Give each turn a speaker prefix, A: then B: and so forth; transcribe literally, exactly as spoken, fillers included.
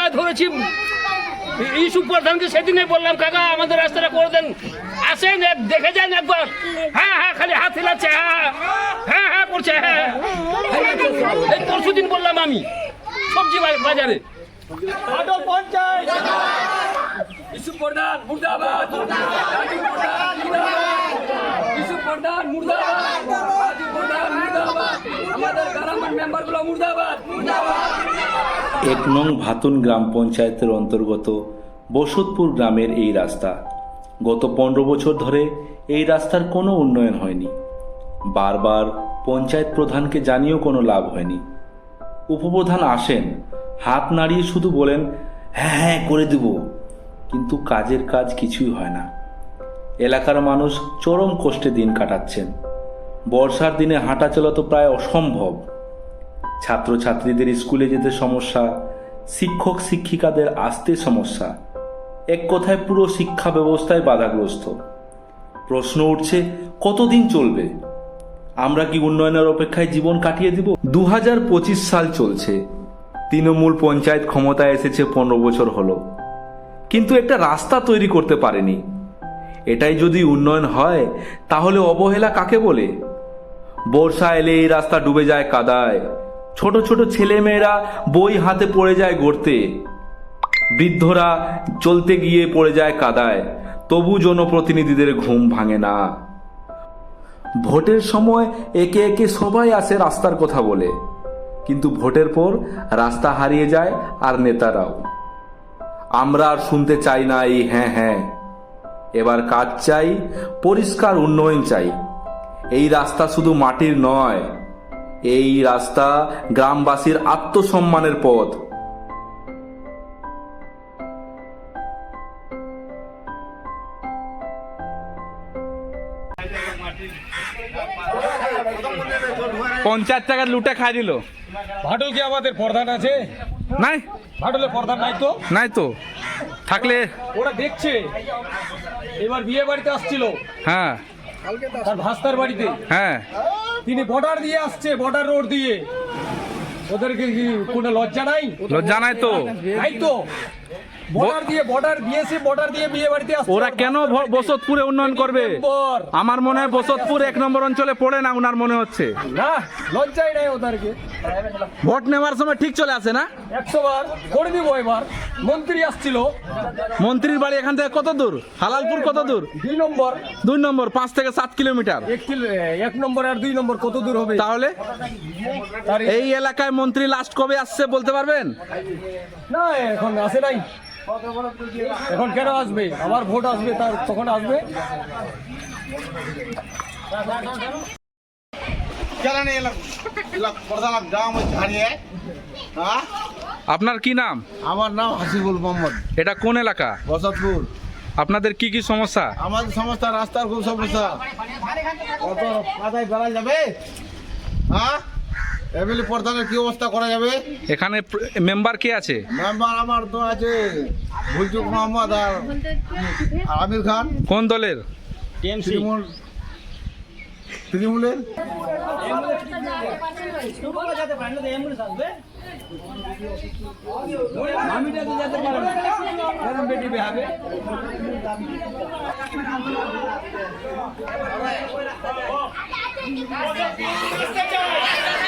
A: পায়ে ধরেছি ইস্যু প্রধানকে, সেদিনে বললাম কাকা আমাদের রাস্তাটা করে দেন, আসেন দেখে যান একবার। হ্যাঁ হ্যাঁ খালি হাত হিলাচ্ছে, হ্যাঁ হ্যাঁ হ্যাঁ করছে, হ্যাঁ এই পরশু দিন বললাম আমি সবজি বাজারে।
B: এক নং ভাতুন গ্রাম পঞ্চায়েতের অন্তর্গত বসতপুর গ্রামের এই রাস্তা গত পনেরো বছর ধরে এই রাস্তার কোনো উন্নয়ন হয়নি। বারবার পঞ্চায়েত প্রধানকে জানিয়েও কোনো লাভ হয়নি। উপপ্রধান আসেন, হাত নাড়িয়ে শুধু বলেন হ্যাঁ হ্যাঁ করে দেব, কিন্তু কাজের কাজ কিছুই হয় না। এলাকার মানুষ চরম কষ্টে দিন কাটাচ্ছেন। বর্ষার দিনে হাঁটা চলা তো প্রায় অসম্ভব। ছাত্রছাত্রীদের স্কুলে যেতে সমস্যা, শিক্ষক শিক্ষিকাদের আসতে সমস্যা, এক কথায় পুরো শিক্ষা ব্যবস্থায় বাধাগ্রস্ত। প্রশ্ন উঠছে কতদিন চলবে? আমরা কি উন্নয়নের অপেক্ষায় জীবন কাটিয়ে দিব? দু হাজার পঁচিশ সাল চলছে, তৃণমূল পঞ্চায়েত ক্ষমতায় এসেছে পনেরো বছর হলো, কিন্তু একটা রাস্তা তৈরি করতে পারেনি। এটাই যদি উন্নয়ন হয় তাহলে অবহেলা কাকে বলে? বর্ষা এলে এই রাস্তা ডুবে যায় কাদায়, ছোট ছোট ছেলে মেয়েরা বই হাতে পড়ে যায় গর্তে, বৃদ্ধরা চলতে গিয়ে পড়ে যায় কাদায়, তবু জনপ্রতিনিধিদের ঘুম ভাঙে না। ভোটের সময় একে একে সবাই আসে রাস্তার কথা বলে, কিন্তু ভোটের পর রাস্তা হারিয়ে যায় আর নেতারাও। আমরা আর শুনতে চাই না এই হ্যাঁ হ্যাঁ, এবার কাজ চাই, পরিষ্কার উন্নয়ন চাই। এই রাস্তা শুধু মাটির নয়, এই রাস্তা গ্রামবাসীর আত্মসম্মানের পথ।
C: পঞ্চায়েত টাকা লুটে খাই দিল।
A: ভাটল কি আমাদের প্রধান আছে?
C: নাই,
A: ভাটলের প্রধান নাই তো।
C: নাই তো, থাকলে
A: ওরা দেখছে। এবার বিয়ে বাড়িতে আসছিল,
C: হ্যাঁ
A: তার ভাস্তার বাড়িতে,
C: হ্যাঁ
A: তিনি বর্ডার দিয়ে আসছে, বর্ডার রোড দিয়ে। ওদেরকে কি কোনো লজ্জা নাই?
C: লজ্জা নাই তো।
A: নাই তো, বর্ডার দিয়ে বর্ডার দিয়েছে, বর্ডার দিয়ে বিয়ে বাড়িতে আসছে।
C: ওরা কেন ভ- বসতপুরে উন্নয়ন করবে? আমার মনে হয় বসতপুর এক নম্বর অঞ্চলে পড়ে না, উনার মনে হচ্ছে।
A: না, লজ্জাই নাই ওদেরকে।
C: ভোট নেওয়ার সময় ঠিক চলে আসে না।
A: একশো বার করে দিব। এবার মন্ত্রী আসছিল,
C: মন্ত্রীর বাড়ি এখান থেকে কত দূর? হালালপুর কত দূর?
A: দুই নম্বর।
C: দুই নম্বর পাঁচ থেকে সাত কিলোমিটার।
A: এক কিলো- এক নম্বর আর দুই নম্বর কত দূর হবে?
C: তাহলে
A: তার
C: এই এলাকায় মন্ত্রী লাস্ট কবে আসছে বলতে পারবেন?
A: না, এখন আসে নাই। এখন কেন আসবে? আবার ভোট আসবে, তার তখন আসবে।
C: আপনার কি নাম?
D: আমার নাম হাসিবুল মোহাম্মদ।
C: এটা কোন এলাকা?
D: বসতপুর।
C: আপনাদের কি কি সমস্যা?
D: আমাদের সমস্যা, রাস্তার খুব সমস্যা। কত মাথায় বেড়া যাবে? হ্যাঁ, এমএলএ প্রধানের কি অবস্থা করা যাবে?
C: এখানে মেম্বার কে আছে?
D: মেম্বার আমার তো আছে ভুলচুক মোহাম্মদ আর আমির খান।
C: কোন দলের?
D: তৃণমূল, তৃণমূলের।
A: আমি